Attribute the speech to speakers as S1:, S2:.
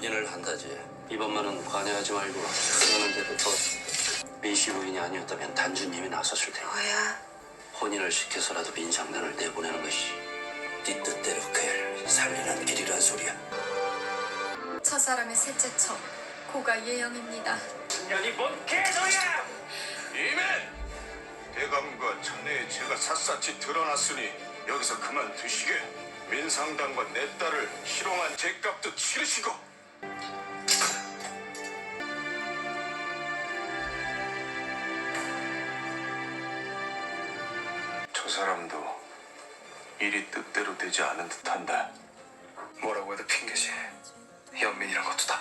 S1: 혼인을 한다지. 이번만은 관여하지 말고 그러는 대로 더 민씨 부인이 아니었다면 단주님이 나섰을 테니
S2: 뭐야?
S1: 혼인을 시켜서라도 민상단을 내보내는 것이 네 뜻대로 그애를 살리는 길이란 소리야.
S3: 저 사람의 셋째 척 고가 예영입니다.
S4: 년이 뭔 개소리야!
S5: 이맨! 대감과 자네의 죄가 샅샅이 드러났으니 여기서 그만 두시게. 민상당과 내 딸을 희롱한 죄값도 치르시고. 저 사람도 일이 뜻대로 되지 않은 듯한다.
S4: 뭐라고 해도 핑계지. 연민이란 것도 다